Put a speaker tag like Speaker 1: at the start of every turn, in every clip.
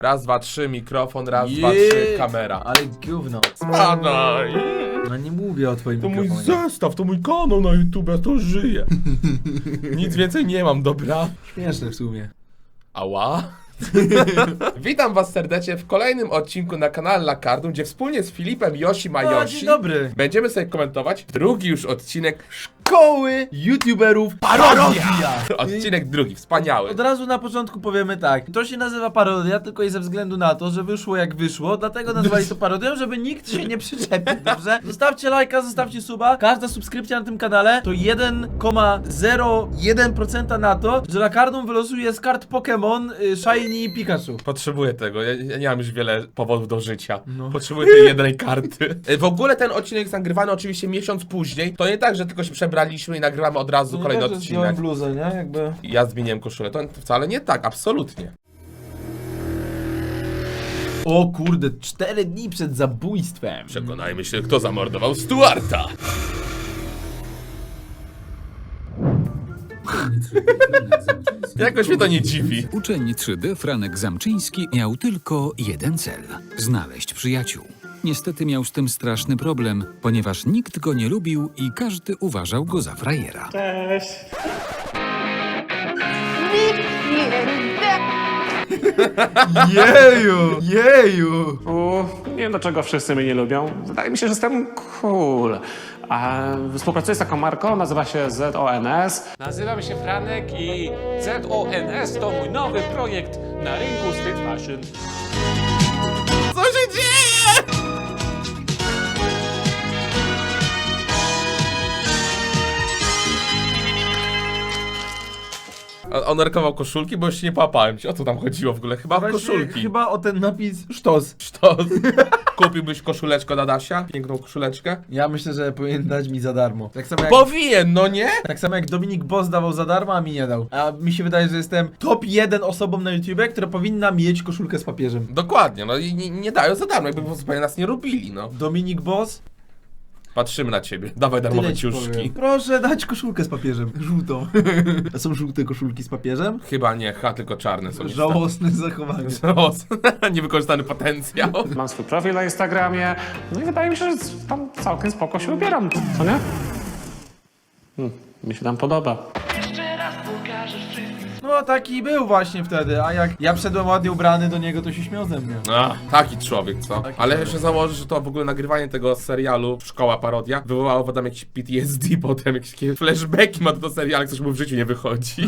Speaker 1: Raz, dwa, trzy, mikrofon, raz, dwa, trzy, kamera.
Speaker 2: Ale gówno.
Speaker 1: Spadaj!
Speaker 2: No nie mówię o twoim
Speaker 1: To mój
Speaker 2: mikrofonie.
Speaker 1: zestaw, to mój kanał na YouTube, ja to żyję. Nic więcej nie mam, dobra?
Speaker 2: Śmieszne w sumie.
Speaker 1: Ała. Witam was serdecznie w kolejnym odcinku na kanale Lakardum, gdzie wspólnie z Filipem, Yoshi,
Speaker 2: Dzień
Speaker 1: Majoshi
Speaker 2: dobry.
Speaker 1: będziemy sobie komentować drugi już odcinek.
Speaker 2: Szkoły YouTuberów parodia.
Speaker 1: Odcinek drugi, wspaniały.
Speaker 2: Od razu na początku powiemy tak. To się nazywa parodia tylko i ze względu na to, że wyszło jak wyszło, dlatego nazwali to parodią, żeby nikt się nie przyczepił, dobrze? Zostawcie lajka, zostawcie suba. Każda subskrypcja na tym kanale to 1,01% na to, że Lakardum wylosuje z kart Pokémon Shiny i Pikachu.
Speaker 1: Potrzebuję tego, ja nie mam już wiele powodów do życia.
Speaker 2: No.
Speaker 1: Potrzebuję tej jednej karty. W ogóle ten odcinek jest nagrywany oczywiście miesiąc później. To nie tak, że tylko się przebraliśmy i nagrywamy od razu kolejny odcinek.
Speaker 2: bluzę, nie? Jakby...
Speaker 1: Ja zmieniłem koszulę. To wcale nie tak, absolutnie.
Speaker 2: O kurde, 4 dni przed zabójstwem.
Speaker 1: Przekonajmy się, kto zamordował Stuarta. Jakoś mnie to nie dziwi.
Speaker 3: Uczeń 3D Franek Zamczyński miał tylko jeden cel – znaleźć przyjaciół. Niestety miał z tym straszny problem, ponieważ nikt go nie lubił i każdy uważał go za frajera.
Speaker 2: Jeju!
Speaker 4: Nie wiem dlaczego wszyscy mnie nie lubią. Wydaje mi się, że jestem cool. A współpracuję z taką marką, nazywa się ZONS.
Speaker 5: Nazywam się Franek i ZONS to mój nowy projekt na rynku street fashion.
Speaker 1: Co się dzieje? On narkował koszulki, bo już nie połapałem cię. O co tam chodziło w ogóle? Chyba w koszulki.
Speaker 2: Chyba o ten napis sztos.
Speaker 1: Sztos. Kupiłbyś koszuleczkę na Dasia? Piękną koszuleczkę?
Speaker 2: Ja myślę, że powinien dać mi za darmo.
Speaker 1: Powinien, no nie?
Speaker 2: Tak samo jak Dominik Boss dawał za darmo, a mi nie dał. A mi się wydaje, że jestem top 1 osobą na YouTubie, która powinna mieć koszulkę z papieżem.
Speaker 1: Dokładnie, no i nie dają za darmo, jakby zupełnie nas nie lubili, no.
Speaker 2: Dominik Boss,
Speaker 1: Patrzymy na ciebie, dawaj darmowe
Speaker 2: tyle ci
Speaker 1: ciuszki.
Speaker 2: powiem. Proszę dać koszulkę z papieżem. Żółtą. A są żółte koszulki z papieżem?
Speaker 1: Chyba nie, tylko czarne są.
Speaker 2: Żałosne zachowanie.
Speaker 1: Niewykorzystany potencjał.
Speaker 4: Mam swój profil na Instagramie. No i wydaje mi się, że tam całkiem spoko się ubieram. Co nie? Mi się tam podoba.
Speaker 2: No taki był właśnie wtedy, a jak ja wszedłem ładnie ubrany do niego, to się śmiał ze mnie.
Speaker 1: Taki człowiek, co? Ale jeszcze założę, że to w ogóle nagrywanie tego serialu Szkoła Parodia wywołało potem jakieś PTSD, potem jakieś takie flashbacki ma do serialu, coś mu w życiu nie wychodzi.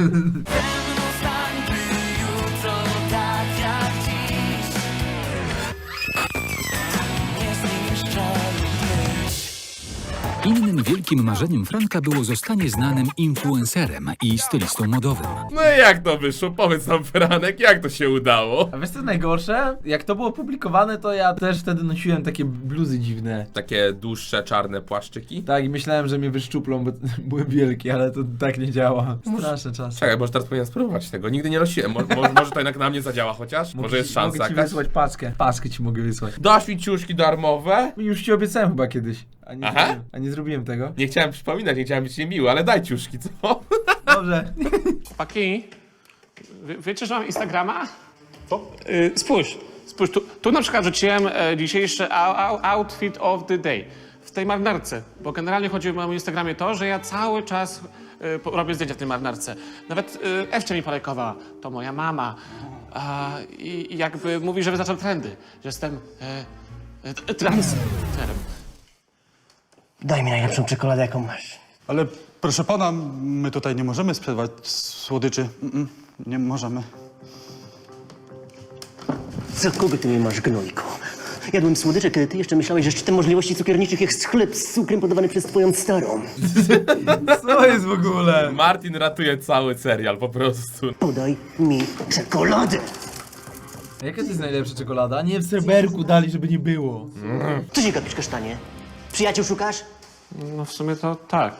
Speaker 3: Innym wielkim marzeniem Franka było zostanie znanym influencerem i stylistą modowym.
Speaker 1: No i jak to wyszło? Powiedz nam, Franek, jak to się udało?
Speaker 2: A wiesz co najgorsze? Jak to było publikowane, to ja też wtedy nosiłem takie bluzy dziwne.
Speaker 1: Takie dłuższe, czarne płaszczyki.
Speaker 2: Tak, i myślałem, że mnie wyszczuplą, bo były wielkie, ale to tak nie działa. Straszne czasy.
Speaker 1: Czekaj, może teraz powinien spróbować tego. Nigdy nie nosiłem. Może to jednak na mnie zadziała chociaż? Może jest szansa
Speaker 2: Mogę ci
Speaker 1: jakaś?
Speaker 2: wysłać paczkę. Paczkę ci mogę wysłać.
Speaker 1: Dasz mi ciuszki darmowe?
Speaker 2: Już ci obiecałem chyba kiedyś.
Speaker 1: Aha.
Speaker 2: A nie zrobiłem tego.
Speaker 1: Nie chciałem przypominać, nie chciałem być niemiły, ale daj ciuszki, co?
Speaker 2: Dobrze.
Speaker 4: Chłopaki, wiecie, że mam Instagrama? Spójrz, tu na przykład rzuciłem dzisiejszy outfit of the day. W tej marynarce, bo generalnie chodzi o moim Instagramie to, że ja cały czas robię zdjęcia w tej marynarce. Nawet Ewcia mi polajkowała, to moja mama. I jakby mówi, że wyznaczam trendy, że jestem transferem.
Speaker 6: Daj mi najlepszą czekoladę, jaką masz.
Speaker 7: Ale proszę pana, my tutaj nie możemy sprzedawać słodyczy. Nie możemy.
Speaker 6: Co kogo ty mnie masz, gnojku? Jadłem słodycze, kiedy ty jeszcze myślałeś, że szczytem możliwości cukierniczych jest chleb z cukrem podawany przez twoją starą.
Speaker 2: Co jest w ogóle?
Speaker 1: Martin ratuje cały serial, po prostu.
Speaker 6: Podaj mi czekoladę.
Speaker 2: A jaka to jest najlepsza czekolada? Nie w serberku dali, żeby nie było.
Speaker 6: Co się gapisz, kasztanie? Przyjaciół szukasz?
Speaker 4: No w sumie to tak.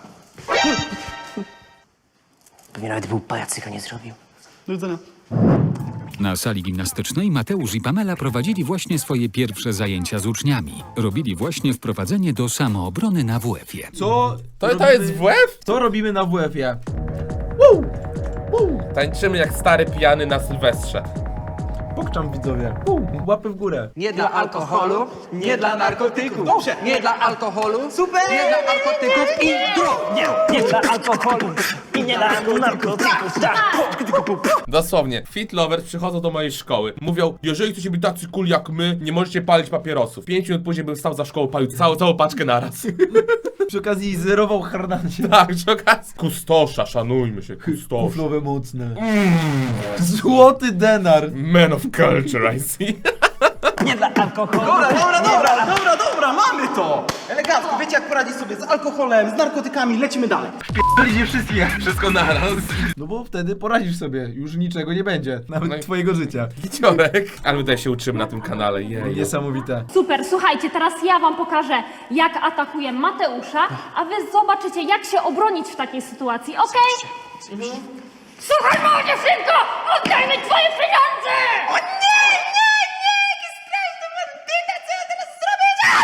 Speaker 6: Pewnie nawet był pajacyka nie zrobił.
Speaker 7: Do widzenia.
Speaker 3: Na sali gimnastycznej Mateusz i Pamela prowadzili właśnie swoje pierwsze zajęcia z uczniami. Robili właśnie wprowadzenie do samoobrony na WF-ie.
Speaker 2: Co?
Speaker 1: To jest WF?
Speaker 2: Co robimy na WF-ie?
Speaker 1: Tańczymy jak stary pijany na Sylwestrze.
Speaker 2: Pokczam widzowie. Łapy w górę.
Speaker 8: Nie dla alkoholu, nie dla narkotyków. Dobrze. Nie dla alkoholu, super. Nie dla narkotyków i drog.
Speaker 6: Nie dla alkoholu i nie dla narkotyków.
Speaker 1: Dosłownie, fit lovers przychodzą do mojej szkoły. Mówią, jeżeli chcecie być tacy cool jak my, nie możecie palić papierosów. 5 minut później bym stał za szkołą, palił całą paczkę naraz.
Speaker 2: Przy okazji zerował harnacie.
Speaker 1: Tak, przy okazji. Kustosza, szanujmy się, kustosza.
Speaker 2: Kuflowe mocne. Złoty denar.
Speaker 1: Man of culture, I see.
Speaker 6: Nie dla alkoholu.
Speaker 8: Dobra, mamy to. Elegancko, wiecie jak poradzić sobie z alkoholem, z narkotykami, lecimy dalej.
Speaker 2: Byliście wszystkich.
Speaker 1: Wszystko naraz.
Speaker 2: No bo wtedy poradzisz sobie. Już niczego nie będzie. Nawet
Speaker 1: No i-
Speaker 2: twojego życia.
Speaker 1: Giciorek. Ale my tutaj się uczymy na tym kanale, jej.
Speaker 2: Niesamowite.
Speaker 9: Super, słuchajcie, teraz ja wam pokażę, jak atakuję Mateusza, a wy zobaczycie, jak się obronić w takiej sytuacji, okej? Słuchaj, mała dziewczynko! Oddaj mi twoje pieniądze! O nie! Jaki straszny bandyta! Co ja teraz zrobię?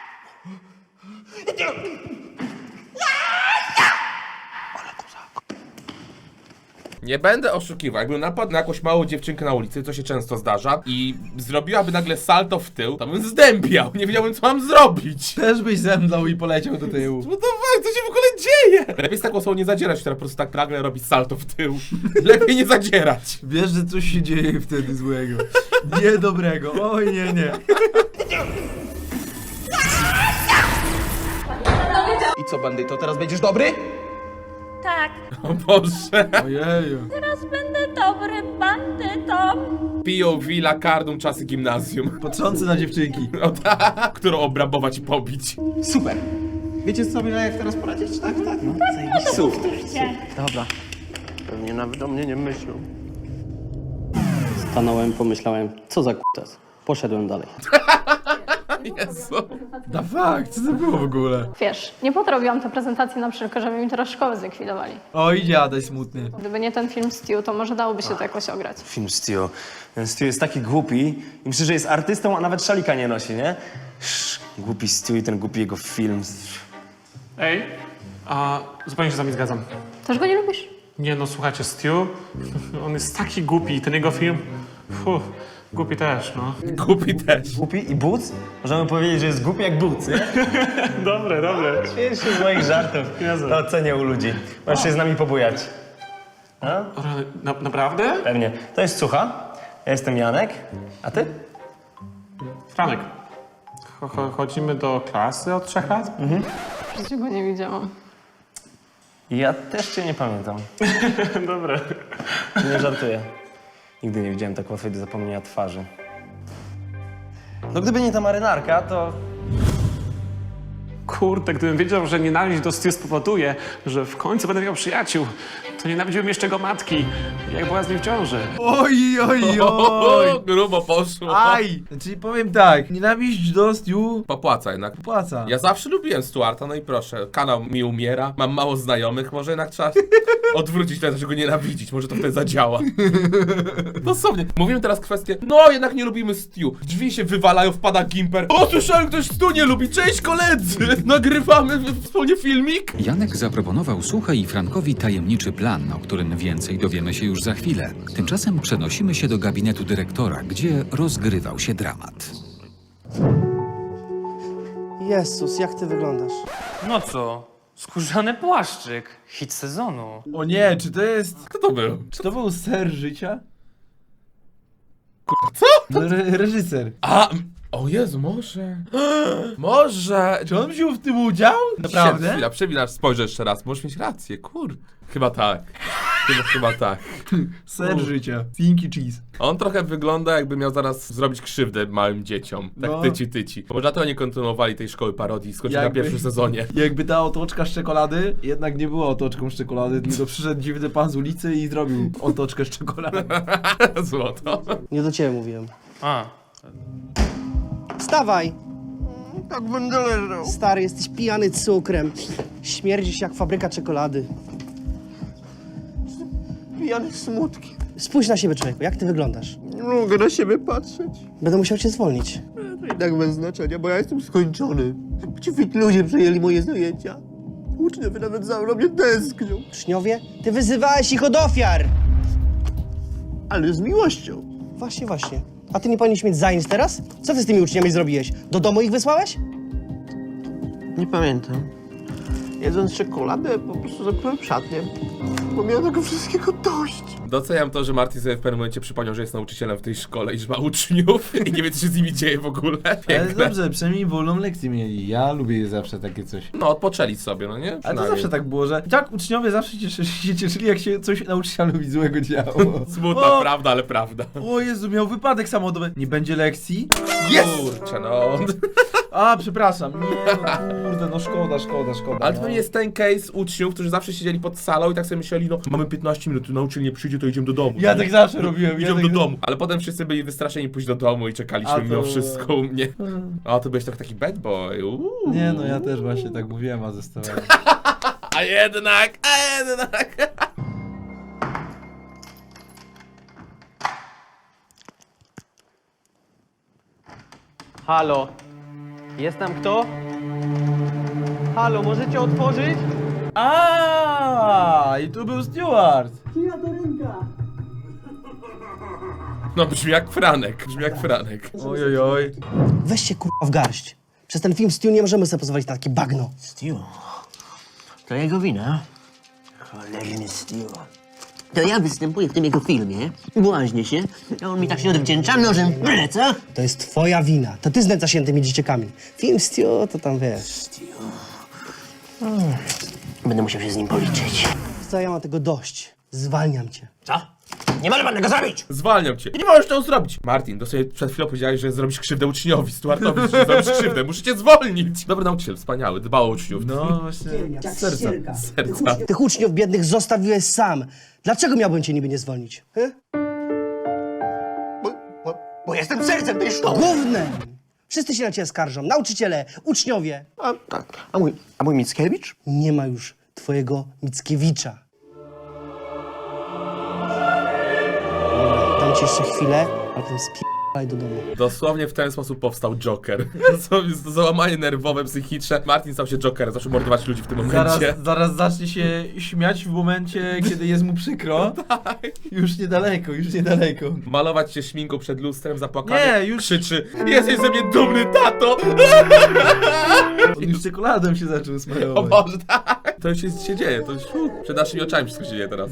Speaker 1: Nie będę oszukiwał, jakbym napadł na jakąś małą dziewczynkę na ulicy, co się często zdarza, i zrobiłaby nagle salto w tył, to bym zdębiał, nie wiedziałbym co mam zrobić.
Speaker 2: Też byś zemdlał i poleciał do tyłu.
Speaker 1: No to co się w ogóle dzieje? Lepiej z taką osobą nie zadzierać, która po prostu tak nagle robi salto w tył. Lepiej nie zadzierać.
Speaker 2: Wiesz, że coś się dzieje wtedy złego. Niedobrego. Oj, nie.
Speaker 8: I co, bandyto, teraz będziesz dobry?
Speaker 9: Tak,
Speaker 1: O Boże.
Speaker 2: Ojeju.
Speaker 9: teraz będę dobry bandytą.
Speaker 1: POV, lakardum, czasy gimnazjum.
Speaker 2: Patrzący na dziewczynki.
Speaker 1: O tak, którą obrabować i pobić.
Speaker 8: Super. Wiecie sobie jak teraz poradzić? Tak, no.
Speaker 9: Powtórzcie.
Speaker 6: Dobra. Pewnie nawet o mnie nie myślą. Stanąłem, pomyślałem, co za kutas. Poszedłem dalej.
Speaker 1: Jezu.
Speaker 2: Da fakt, co to było w ogóle?
Speaker 10: Wiesz, nie po to robiłam tę prezentację na przykład, żeby mi teraz szkołę zlikwidowali.
Speaker 2: Oj, dziadaj smutny.
Speaker 10: Gdyby nie ten film Steel, to może dałoby się to jakoś ograć.
Speaker 11: Film Steel. Ten Steel jest taki głupi i myślę, że jest artystą, a nawet szalika nie nosi, nie? Głupi Steel i ten głupi jego film.
Speaker 4: Ej, a zupełnie się z wami zgadzam.
Speaker 10: Też go nie lubisz?
Speaker 4: Nie no, słuchajcie, Stu, on jest taki głupi, ten jego film, głupi też, no.
Speaker 1: Głupi też.
Speaker 11: Głupi i Boots? Możemy powiedzieć, że jest głupi jak Boots, nie?
Speaker 4: Dobre.
Speaker 11: Śmiejesz się z moich żartów. To ocenię u ludzi. Możesz się z nami pobujać. No?
Speaker 4: Naprawdę?
Speaker 11: Pewnie. To jest Cucha. Ja jestem Janek. A ty?
Speaker 4: Franek, chodzimy do klasy od 3 lat?
Speaker 10: W życiu go nie widziałam.
Speaker 11: Ja też cię nie pamiętam.
Speaker 4: Dobra.
Speaker 11: Nie żartuję. Nigdy nie widziałem tak łatwej do zapomnienia twarzy. No gdyby nie ta marynarka, to...
Speaker 4: Kurde, gdybym wiedział, że nienawiść do Stu spowoduje, że w końcu będę miał przyjaciół, to nienawidziłbym jeszcze go matki, jak była z nim w ciąży.
Speaker 2: Oj.
Speaker 1: O, grubo poszło.
Speaker 2: Aj! Czyli powiem tak, nienawiść do Stu
Speaker 1: Popłaca jednak.
Speaker 2: płaca.
Speaker 1: Ja zawsze lubiłem Stuarta, no i proszę, kanał mi umiera, mam mało znajomych, może jednak trzeba odwrócić to, że go nienawidzić, może to wtedy zadziała. Dosłownie. Mówimy teraz kwestię, no jednak nie lubimy Stu. Drzwi się wywalają, wpada Gimper. O, słyszałem, ktoś Stu nie lubi, cześć koledzy! Nagrywamy wspólnie filmik?
Speaker 3: Janek zaproponował Suche i Frankowi tajemniczy plan, o którym więcej dowiemy się już za chwilę. Tymczasem przenosimy się do gabinetu dyrektora, gdzie rozgrywał się dramat.
Speaker 6: Jezus, jak ty wyglądasz?
Speaker 8: No co? Skórzany płaszczyk. Hit sezonu.
Speaker 2: O nie, czy to jest...
Speaker 1: Kto to był?
Speaker 2: Czy to był ser życia?
Speaker 1: Co?
Speaker 2: No, reżyser.
Speaker 1: O Jezu, może... Może...
Speaker 2: Czy on wziął w tym udział? Naprawdę?
Speaker 1: Chwila, przewinasz, spojrzę jeszcze raz, możesz mieć rację, kurde. Chyba tak. Chyba tak.
Speaker 2: Ser życia. Thinky cheese.
Speaker 1: On trochę wygląda, jakby miał zaraz zrobić krzywdę małym dzieciom. Tak
Speaker 2: No.
Speaker 1: tyci. Może dlatego nie kontynuowali tej szkoły parodii i skończyli na
Speaker 2: Jakby-
Speaker 1: pierwszym sezonie.
Speaker 2: Jakby ta otoczka z czekolady jednak nie była otoczką z czekolady, tylko przyszedł dziwny pan z ulicy i zrobił otoczkę z czekolady.
Speaker 1: Złoto.
Speaker 6: Nie do ciebie mówiłem.
Speaker 8: A.
Speaker 6: Wstawaj! Tak będę leżał. Stary, jesteś pijany cukrem. Śmierdzisz jak fabryka czekolady. Pijany smutki. Spójrz na siebie, człowieku, jak ty wyglądasz?
Speaker 12: Nie mogę na siebie patrzeć.
Speaker 6: Będę musiał cię zwolnić.
Speaker 12: To jednak bez znaczenia, bo ja jestem skończony. Ci fit ludzie przejęli moje zajęcia. Uczniowie nawet za mną mnie tęsknią.
Speaker 6: Uczniowie? Ty wyzywałeś ich od ofiar!
Speaker 12: Ale z miłością.
Speaker 6: Właśnie. A ty nie powinieneś mieć zajęć teraz? Co ty z tymi uczniami zrobiłeś? Do domu ich wysłałeś?
Speaker 12: Nie pamiętam. Jedząc czekoladę, po prostu zamknąłem szatnię. Bo miałem tego wszystkiego dość.
Speaker 1: Doceniam to, że Martin sobie w pewnym momencie przypomniał, że jest nauczycielem w tej szkole i że ma uczniów i nie wie, co się z nimi dzieje w ogóle.
Speaker 2: Ale
Speaker 1: Piękne.
Speaker 2: dobrze, przynajmniej wolną lekcję mieli. Ja lubię zawsze takie coś.
Speaker 1: No, odpoczęli sobie, no nie?
Speaker 2: Ale to
Speaker 1: Przynajmniej.
Speaker 2: zawsze tak było, że tak uczniowie zawsze się cieszyli, jak się coś nauczycielowi złego działo.
Speaker 1: Smutna
Speaker 2: O!
Speaker 1: prawda, ale prawda.
Speaker 2: O Jezu, miał wypadek samochodowy. Nie będzie lekcji?
Speaker 1: Kurczę, no.
Speaker 2: A, przepraszam. Nie, no kurde, no szkoda.
Speaker 1: Ale
Speaker 2: no.
Speaker 1: to nie jest ten case uczniów, którzy zawsze siedzieli pod salą i tak sobie myśleli, no mamy 15 minut, nauczyciel nie przyjdzie, to idziemy do domu.
Speaker 2: Ja tak zawsze robiłem.
Speaker 1: Idziemy do domu. Ale potem wszyscy byli wystraszeni pójść do domu i czekaliśmy
Speaker 2: A to-
Speaker 1: mimo wszystko u mnie. A ty byłeś taki bad boy.
Speaker 2: Nie no, ja też właśnie tak mówiłem, a zostałem.
Speaker 1: A jednak.
Speaker 8: Halo? Jest tam kto? Halo, możecie otworzyć?
Speaker 2: A, i tu był Steward.
Speaker 1: No brzmi jak Franek.
Speaker 2: Ojojoj.
Speaker 6: Weź się kurwa w garść. Przez ten film Stu nie możemy sobie pozwolić na takie bagno.
Speaker 12: Stu. To jego wina. Cholerny Stu. To ja występuję w tym jego filmie, błaźnię się, a on mi tak się odwdzięcza nożem w pleca.
Speaker 6: To jest twoja wina. To ty znęcasz się tymi dzieciakami. Film Stu to tam wiesz.
Speaker 12: Będę musiał się z nim policzyć.
Speaker 6: Co, ja mam tego dość. Zwalniam cię.
Speaker 12: Co? Nie może pan tego zrobić!
Speaker 1: Zwalniam cię. Nie możesz tego zrobić. Martin, to sobie przed chwilą powiedziałeś, że zrobisz krzywdę uczniowi. Stuartowi, że zrobisz krzywdę. Muszę cię zwolnić. Dobry nauczyciel, wspaniały, dba o uczniów.
Speaker 2: No właśnie, z serca.
Speaker 1: Serca.
Speaker 6: Tych uczniów biednych zostawiłeś sam. Dlaczego miałbym cię niby nie zwolnić?
Speaker 12: Bo jestem sercem tej szkoły!
Speaker 6: Gównem! Wszyscy się na ciebie skarżą. Nauczyciele, uczniowie.
Speaker 12: A mój Mickiewicz?
Speaker 6: Nie ma już twojego Mickiewicza. Dobra, dam ci jeszcze chwilę, a potem spierdalaj do domu.
Speaker 1: Dosłownie w ten sposób powstał Joker. To załamanie nerwowe, psychiczne. Martin stał się Jokerem, zaczął mordować ludzi w tym momencie.
Speaker 2: Zaraz zacznie się śmiać w momencie, kiedy jest mu przykro. Tak. Już niedaleko.
Speaker 1: Malować się szminką przed lustrem, zapłakany.
Speaker 2: Nie, już-
Speaker 1: Krzyczy: jesteś ze mnie dumny, tato!
Speaker 2: On już czekoladą się zaczął
Speaker 1: O
Speaker 2: smarować.
Speaker 1: Boże, tak! To już się dzieje, to już przed naszymi oczami wszystko się dzieje teraz.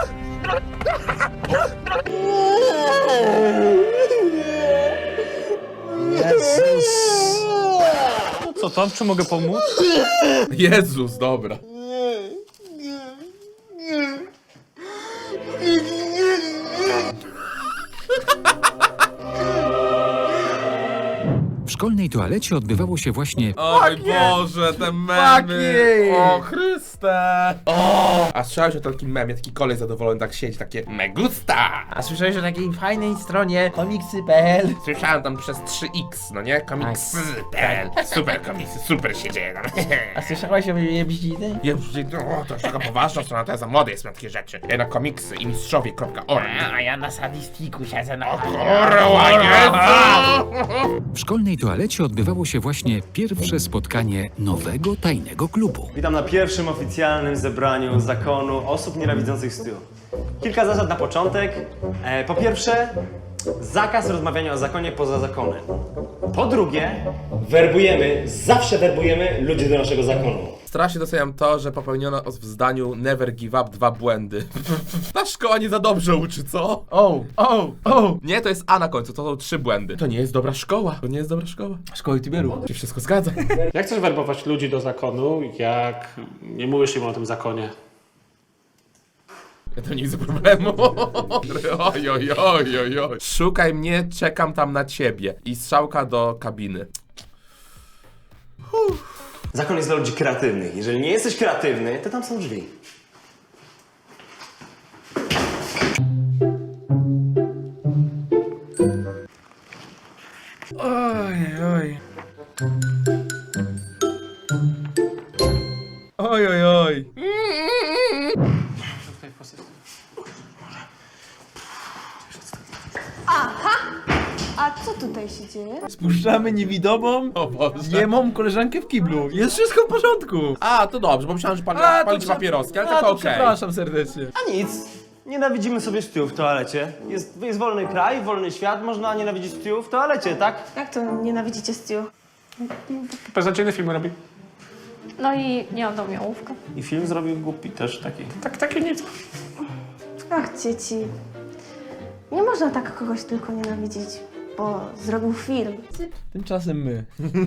Speaker 6: Jezus!
Speaker 4: Co tam? Czy mogę pomóc?
Speaker 1: Jezus, dobra.
Speaker 3: W szkolnej toalecie odbywało się właśnie
Speaker 1: Oj Boże, te memy! O Chryste! O! A słyszałeś o takim memie, taki kolej zadowolony tak siedzi, takie me gusta!
Speaker 2: A słyszałeś o takiej fajnej stronie komiksy.pl?
Speaker 1: Słyszałem tam przez 3x, no nie? Komiksy.pl. Super komiksy, super się dzieje tam.
Speaker 2: A słyszałeś o Jebździny?
Speaker 1: To jest taka poważna strona, to ja za młody jest na takie rzeczy. Ja na komiksy i mistrzowie.org.
Speaker 2: A ja na sadistiku siedzę na
Speaker 3: w szkolnej toalecie odbywało się właśnie pierwsze spotkanie nowego tajnego klubu.
Speaker 11: Witam na pierwszym oficjalnym zebraniu zakonu osób nienawidzących Stu. Kilka zasad na początek. Po pierwsze, zakaz rozmawiania o zakonie poza zakonem. Po drugie, zawsze werbujemy ludzi do naszego zakonu.
Speaker 1: Strasznie doceniam to, że popełniono w zdaniu Never Give Up 2 błędy. Ta szkoła nie za dobrze uczy, co? Nie, to jest A na końcu, to są 3 błędy. To nie jest dobra szkoła.
Speaker 2: Szkoły Tiberu.
Speaker 1: Się wszystko zgadza.
Speaker 4: Jak chcesz werbować ludzi do zakonu, jak nie mówisz im o tym zakonie?
Speaker 1: Ja to nie widzę problemu. Oj. Szukaj mnie, czekam tam na ciebie. I strzałka do kabiny.
Speaker 11: Zakon jest dla ludzi kreatywnych. Jeżeli nie jesteś kreatywny, to tam są drzwi.
Speaker 2: Oj.
Speaker 10: A co tutaj się dzieje?
Speaker 2: Spuszczamy niewidomą,
Speaker 1: O Boże.
Speaker 2: niemą koleżankę w kiblu. Jest wszystko w porządku.
Speaker 1: A, to dobrze, bo myślałem, że palicie papieroski, ale to okej.
Speaker 2: Przepraszam serdecznie.
Speaker 11: A nic. Nienawidzimy sobie Stu w toalecie. Jest wolny kraj, wolny świat, można nienawidzić Stu w toalecie, tak?
Speaker 10: Jak to nienawidzicie Stu?
Speaker 4: Beznadziejny film robi.
Speaker 10: No i nie oddał mi ołówka.
Speaker 11: I film zrobił głupi też taki.
Speaker 4: Takie nic.
Speaker 10: Ach, dzieci. Nie można tak kogoś tylko nienawidzić, bo zrobił film.
Speaker 2: Tymczasem my.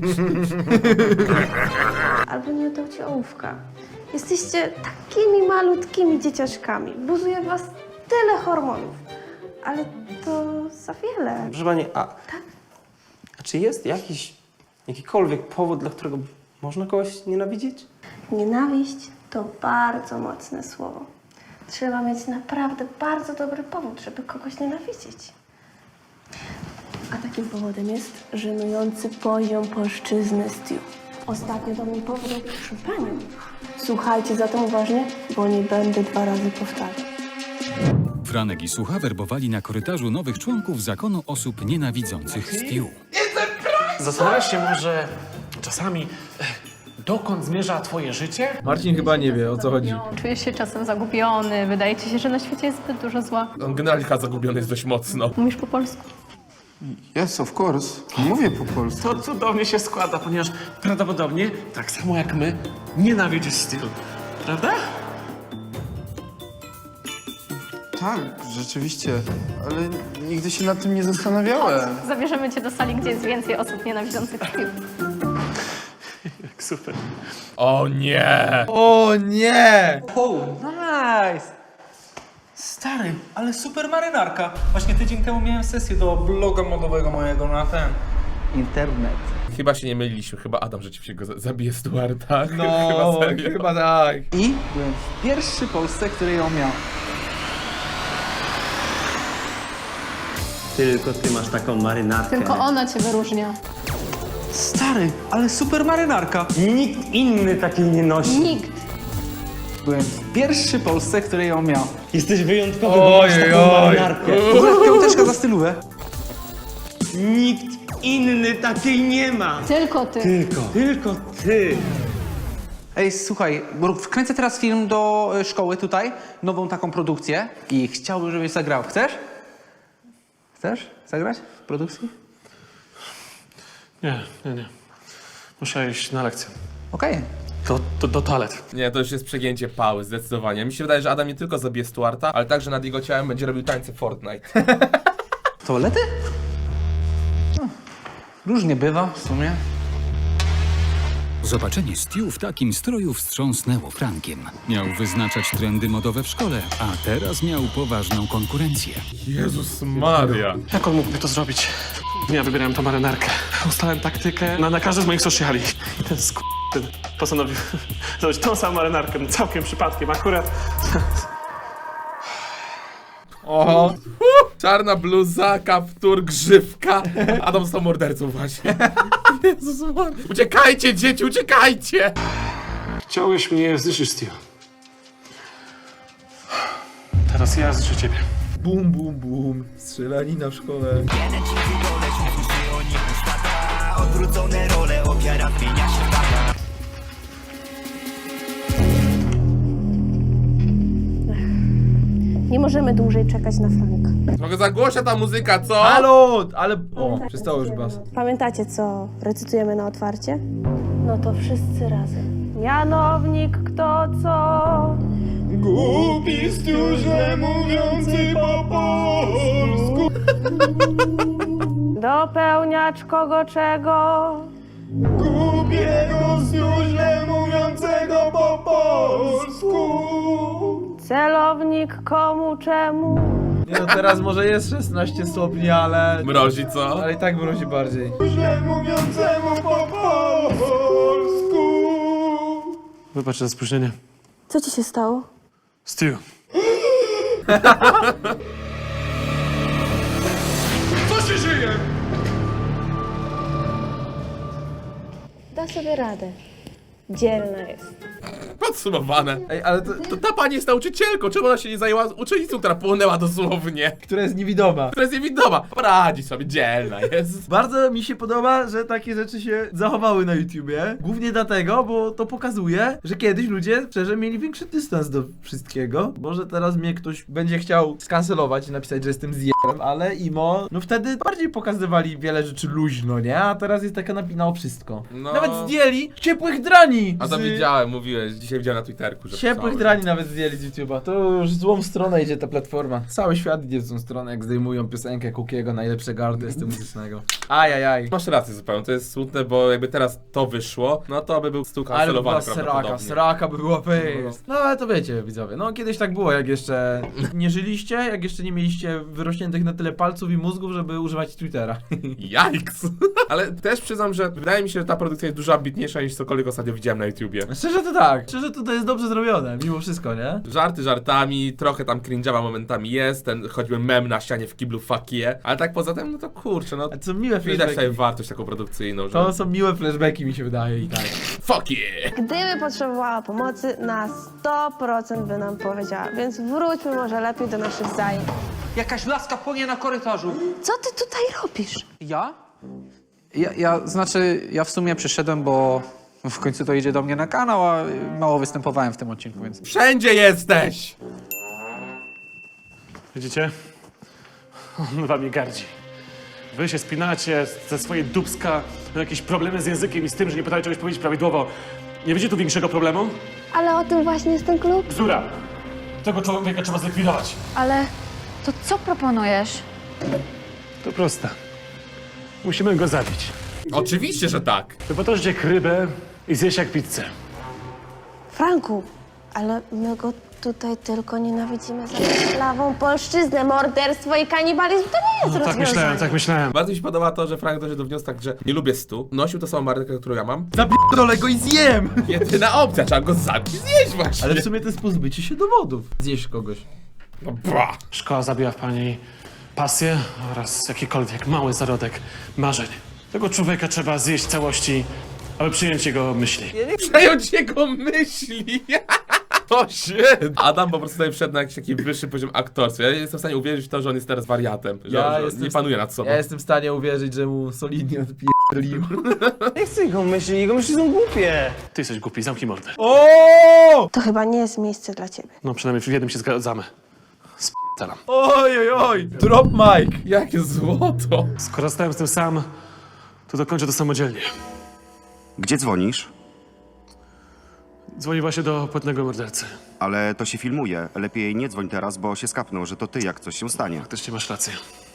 Speaker 10: Albo nie oddał ci ołówka. Jesteście takimi malutkimi dzieciaczkami. Buzuje was tyle hormonów. Ale to za wiele.
Speaker 11: Proszę pani, a czy jest jakikolwiek powód, dla którego można kogoś nienawidzić?
Speaker 10: Nienawiść to bardzo mocne słowo. Trzeba mieć naprawdę bardzo dobry powód, żeby kogoś nienawidzić. A takim powodem jest żenujący poziom polszczyzny Stu. Ostatnio do mnie powiedział przy panią. Słuchajcie zatem uważnie, bo nie będę 2 razy powtarzać.
Speaker 3: Franek i Sucha werbowali na korytarzu nowych członków zakonu osób nienawidzących Stu.
Speaker 4: Zastanawiasz się może czasami, dokąd zmierza twoje życie?
Speaker 2: Marcin chyba nie wie, o co chodzi.
Speaker 10: Czujesz się czasem zagubiony, wydaje ci się, że na świecie jest zbyt dużo zła.
Speaker 1: On generalnie chyba zagubiony jest dość mocno.
Speaker 10: Mówisz po polsku?
Speaker 13: Yes, of course. Mówię po polsku.
Speaker 4: To cudownie się składa, ponieważ prawdopodobnie, tak samo jak my, nienawidzisz stylu. Prawda?
Speaker 13: Tak, rzeczywiście, ale nigdy się nad tym nie zastanawiałem.
Speaker 10: Zabierzemy cię do sali, gdzie jest więcej osób nienawidzących Stu.
Speaker 4: Super.
Speaker 1: O nie!
Speaker 2: O nie!
Speaker 8: Oh, nice! Stary, ale super marynarka. Właśnie tydzień temu miałem sesję do bloga modowego mojego na ten internet.
Speaker 1: Chyba się nie myliliśmy, chyba Adam rzeczywiście go zabije Stuarta.
Speaker 2: No,
Speaker 1: chyba serio.
Speaker 2: chyba tak.
Speaker 8: I byłem pierwszy w Polsce, który ją miał.
Speaker 11: Tylko ty masz taką marynarkę.
Speaker 10: Tylko ona cię wyróżnia.
Speaker 8: Stary, ale super marynarka.
Speaker 11: Nikt inny takiej nie nosi.
Speaker 10: Nikt.
Speaker 8: Byłem pierwszy w Polsce, który ją miał.
Speaker 11: Jesteś wyjątkowy, bo masz taką marynarkę.
Speaker 8: W ogóle piąteczka za stylówę.
Speaker 11: Nikt inny takiej nie ma.
Speaker 10: Tylko ty.
Speaker 11: Tylko ty.
Speaker 8: Ej, słuchaj, bo wkręcę teraz film do szkoły tutaj, nową taką produkcję i chciałbym, żebyś zagrał. Chcesz? Chcesz zagrać w produkcji?
Speaker 4: Nie. Muszę iść na lekcję.
Speaker 8: Okej.
Speaker 4: Do toalet.
Speaker 1: Nie, to już jest przegięcie pały, zdecydowanie. Mi się wydaje, że Adam nie tylko zabije Stuarta, ale także nad jego ciałem będzie robił tańce Fortnite.
Speaker 8: Toalety? No, różnie bywa w sumie.
Speaker 3: Zobaczenie Stu w takim stroju wstrząsnęło Frankiem. Miał wyznaczać trendy modowe w szkole, a teraz miał poważną konkurencję.
Speaker 1: Jezus Maria.
Speaker 4: Jak on mógłby to zrobić? Ja wybierałem tą marynarkę. Ustalałem taktykę na każdy z moich sociali. I ten postanowił zrobić tą samą marynarkę, całkiem przypadkiem, akurat.
Speaker 1: Oho. Czarna bluza, kaptur, grzywka. Adam został mordercą właśnie. Jezus Maria. Uciekajcie, dzieci, uciekajcie!
Speaker 4: Chciałeś mnie zniszczyć, Steve. Teraz ja zniszczę ciebie.
Speaker 2: Bum, bum, bum. Strzelanina w szkole.
Speaker 14: Odwrócone role, ofiara zmienia się w tata.
Speaker 10: Nie możemy dłużej czekać na Franka.
Speaker 1: Trochę za głośna ta muzyka, co?
Speaker 2: Halo! Ale... O, przestało już bas.
Speaker 10: Pamiętacie, co recytujemy na otwarcie? No to wszyscy razem. Mianownik kto co?
Speaker 14: Głupi stróże mówiący po polsku.
Speaker 10: Dopełniacz kogo czego?
Speaker 14: Głupiego stróże mówiącego po polsku.
Speaker 10: Celownik komu czemu?
Speaker 2: Nie no, teraz może jest 16 stopni, ale...
Speaker 1: Mrozi, co?
Speaker 2: Ale i tak mrozi bardziej.
Speaker 14: Stróże mówiącemu po polsku.
Speaker 4: Wybacz za spóźnienie.
Speaker 10: Co ci się stało?
Speaker 4: Steve.
Speaker 14: Co się żyje?
Speaker 10: Da sobie radę. Dzielna jest.
Speaker 1: Podsumowane.
Speaker 2: Ej, ale to,
Speaker 1: To ta pani jest nauczycielką, czemu ona się nie zajęła uczennicą, która płonęła dosłownie?
Speaker 2: która jest niewidoma.
Speaker 1: Która jest niewidoma. Poradzi sobie, dzielna jest.
Speaker 2: Bardzo mi się podoba, że takie rzeczy się zachowały na YouTubie. Głównie dlatego, bo to pokazuje, że kiedyś ludzie szczerze mieli większy dystans do wszystkiego. Może teraz mnie ktoś będzie chciał skancelować i napisać, że jestem zjebem, ale imo, no wtedy bardziej pokazywali wiele rzeczy luźno, nie? A teraz jest taka napina o wszystko.
Speaker 1: No.
Speaker 2: Nawet zdjęli ciepłych drani!
Speaker 1: A to
Speaker 2: z-
Speaker 1: widziałem, mówiłeś, dzisiaj widziałem na Twitterku, że
Speaker 2: Ciepłych
Speaker 1: pisałem.
Speaker 2: drani nawet zdjęli z YouTube'a. To już w złą stronę idzie ta platforma. Cały świat idzie w złą stronę, jak zdejmują piosenkę Cookiego, najlepszego artysty muzycznego. Ajajaj.
Speaker 1: Masz rację zupełnie, to jest smutne, bo jakby teraz to wyszło, no to by był stół
Speaker 2: Ale by była
Speaker 1: kancelowany prawdopodobnie.
Speaker 2: sraka by była face. No ale to wiecie, widzowie, no kiedyś tak było, jak jeszcze nie żyliście, jak jeszcze nie mieliście wyrośniętych na tyle palców i mózgów, żeby używać Twittera.
Speaker 1: Jajks! Ale też przyznam, że wydaje mi się, że ta produkcja jest dużo ambitniejsza niż cokolwiek ostatnio widziałem na YouTubie.
Speaker 2: Szczerze to tak, szczerze to jest dobrze zrobione, mimo wszystko, nie?
Speaker 1: Żarty żartami, trochę tam cringe'owa momentami jest, ten choćby mem na ścianie w kiblu fuck yeah, ale tak poza tym, no to kurczę, no
Speaker 2: A to są miłe
Speaker 1: widać
Speaker 2: flashbacki.
Speaker 1: sobie wartość taką produkcyjną, że
Speaker 2: To są miłe flashbacki, mi się wydaje i tak.
Speaker 1: fuck yeah!
Speaker 10: Gdyby potrzebowała pomocy, na 100% by nam powiedziała, więc wróćmy może lepiej do naszych zajęć.
Speaker 8: Jakaś laska płonie na korytarzu.
Speaker 10: Co ty tutaj robisz?
Speaker 8: Ja? Ja w sumie przyszedłem, bo w końcu to idzie do mnie na kanał, a mało występowałem w tym odcinku, więc...
Speaker 1: Wszędzie jesteś!
Speaker 4: Widzicie? On wami gardzi. Wy się spinacie ze swojej dupska, na jakieś problemy z językiem i z tym, że nie potraficie czegoś powiedzieć prawidłowo. Nie widzicie tu większego problemu?
Speaker 10: Ale o tym właśnie jest ten klub.
Speaker 4: Bzdura! Tego człowieka trzeba zlikwidować.
Speaker 9: Ale to co proponujesz?
Speaker 4: To proste. Musimy go zabić.
Speaker 1: Oczywiście, że tak!
Speaker 4: Wypotoczcie krybę i zjeść jak pizzę.
Speaker 10: Franku, ale my go tutaj tylko nienawidzimy za plawą polszczyznę, morderstwo i kanibalizm to nie jest rozwiązanie.
Speaker 4: Tak myślałem.
Speaker 1: Bardzo mi się podoba to, że Frank doszedł do wniosku tak, że nie lubię stu, nosił tą samą markę, którą ja mam.
Speaker 2: Zapierdolę go i zjem!
Speaker 1: Jedyna opcja, trzeba go zabić i zjeść właśnie!
Speaker 2: Ale w sumie to jest pozbycie się dowodów. Zjeść kogoś.
Speaker 1: No bra!
Speaker 4: Szkoła zabiła w pani pasję oraz jakikolwiek mały zarodek marzeń. Tego człowieka trzeba zjeść w całości, aby przyjąć jego myśli.
Speaker 1: Przejąć jego myśli! O shit! Adam po prostu tutaj wszedł na jakiś taki wyższy poziom aktorstwa. Ja jestem w stanie uwierzyć w to, że on jest teraz wariatem. Że nie panuje nad sobą.
Speaker 2: Ja jestem w stanie uwierzyć, że mu solidnie odpierdolił.
Speaker 11: Nie chcę jego myśli są głupie.
Speaker 4: Ty jesteś głupi, zamknij mordę.
Speaker 2: O!
Speaker 10: To chyba nie jest miejsce dla ciebie.
Speaker 4: No przynajmniej w jednym się zgadzamy. Sp***alam.
Speaker 2: Oj, oj, oj! Drop mic!
Speaker 1: Jakie złoto!
Speaker 4: Skoro stałem z tym sam, to dokończę to samodzielnie.
Speaker 15: Gdzie dzwonisz?
Speaker 4: Dzwoni właśnie do płatnego mordercy.
Speaker 15: Ale to się filmuje. Lepiej nie dzwoń teraz, bo się skapną, że to ty, jak coś się stanie.
Speaker 4: Faktycznie masz rację.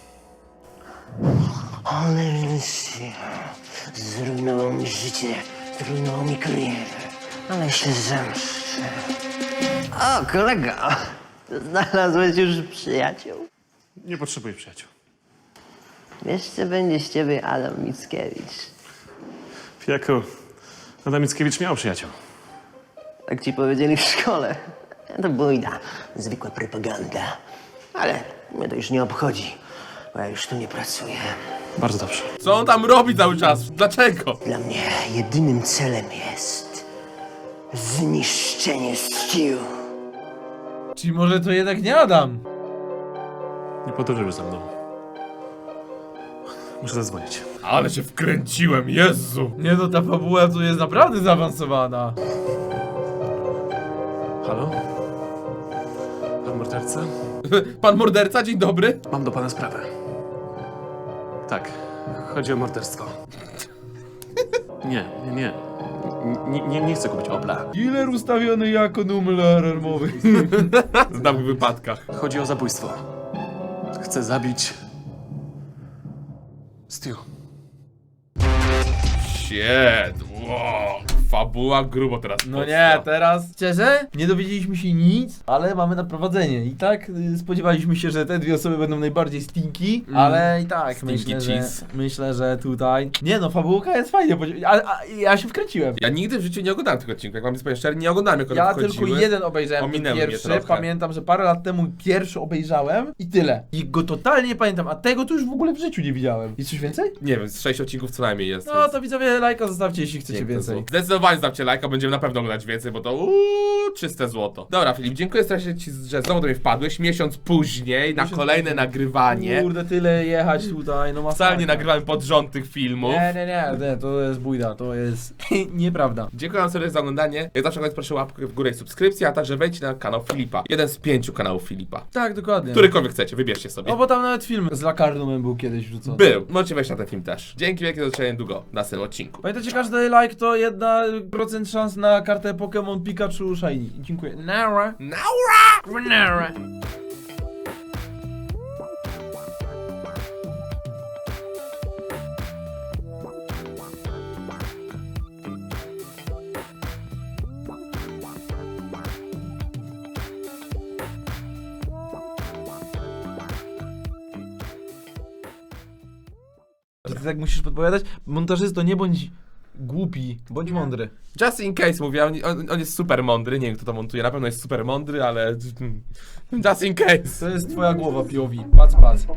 Speaker 12: Cholera, zrujnował mi życie, zrujnował mi karierę, ale się zemszczę. O, kolego, znalazłeś już przyjaciół?
Speaker 4: Nie potrzebuję przyjaciół.
Speaker 12: Wiesz, co będzie z ciebie Adam Mickiewicz?
Speaker 4: Fijaku, Adam Mickiewicz miał przyjaciół.
Speaker 12: Tak ci powiedzieli w szkole. To bójda, zwykła propaganda. Ale mnie to już nie obchodzi, bo ja już tu nie pracuję.
Speaker 4: Bardzo dobrze.
Speaker 1: Co on tam robi cały czas? Dlaczego?
Speaker 12: Dla mnie jedynym celem jest zniszczenie Stu.
Speaker 2: Czyli może to jednak nie Adam?
Speaker 4: Nie podróżuj ze mną. Muszę zadzwonić.
Speaker 1: Ale się wkręciłem, Jezu!
Speaker 2: Nie no, ta fabuła tu jest naprawdę zaawansowana.
Speaker 4: Halo? Pan morderca?
Speaker 1: Pan morderca, dzień dobry.
Speaker 4: Mam do pana sprawę. Tak, chodzi o morderstwo. Nie chcę kupić Opla.
Speaker 2: Dealer ustawiony jako numer alarmowy.
Speaker 1: W nagłych wypadkach.
Speaker 4: Chodzi o zabójstwo. Chcę zabić... Stu.
Speaker 1: Shit, wow. Fabuła grubo teraz.
Speaker 2: No nie, teraz szczerze, nie dowiedzieliśmy się nic, ale mamy naprowadzenie. I tak spodziewaliśmy się, że te dwie osoby będą najbardziej stinky, ale i tak myślę, że tutaj... Nie no, fabułka jest fajnie, ja się wkręciłem.
Speaker 1: Ja nigdy w życiu nie oglądałem tego odcinka, jak mam być szczery, nie oglądałem jak one
Speaker 2: Ja
Speaker 1: wchodziły.
Speaker 2: tylko jeden obejrzałem, ten
Speaker 1: Ominęły mnie
Speaker 2: pierwszy,
Speaker 1: trochę.
Speaker 2: pamiętam, że parę lat temu pierwszy obejrzałem i tyle. I go totalnie nie pamiętam, a tego to już w ogóle w życiu nie widziałem. Jest coś więcej?
Speaker 1: Nie wiem, z 6 odcinków co najmniej jest.
Speaker 2: No to widzowie, lajka zostawcie, jeśli chcecie więcej.
Speaker 1: Zdecydowanie Zdecydowanie dajcie lajka, będziemy na pewno oglądać więcej, bo to czyste złoto. Dobra, Filip, dziękuję strasznie ci, że znowu do mnie wpadłeś. Miesiąc później na kolejne nagrywanie.
Speaker 2: Kurde, tyle jechać tutaj, no masakra.
Speaker 1: Wcale nie nagrywamy pod rząd tych filmów.
Speaker 2: Nie, to jest bójda, to jest nieprawda.
Speaker 1: Dziękuję wam serdecznie za oglądanie. Jak zawsze proszę łapkę w górę i subskrypcję, a także wejdźcie na kanał Filipa. Jeden z 5 kanałów Filipa.
Speaker 2: Tak, dokładnie.
Speaker 1: Którykolwiek chcecie, wybierzcie sobie.
Speaker 2: No bo tam nawet film z Lakarnumem był kiedyś wrzucony.
Speaker 1: Był. Możecie wejść na ten film też. Dzięki wielkie, do zobaczenia niedługo w następnym odcinku.
Speaker 2: Pamiętajcie, każdy like to 1% szans na kartę Pokémon Pikachu Shiny. Dziękuję. Nara. Nara. Ty tak musisz podpowiadać? Montażysto, nie bądź głupi, bądź mądry.
Speaker 1: Just in case mówię, on jest super mądry, nie wiem kto to montuje, na pewno jest super mądry, ale just in case.
Speaker 2: To jest twoja głowa, POV. Pac.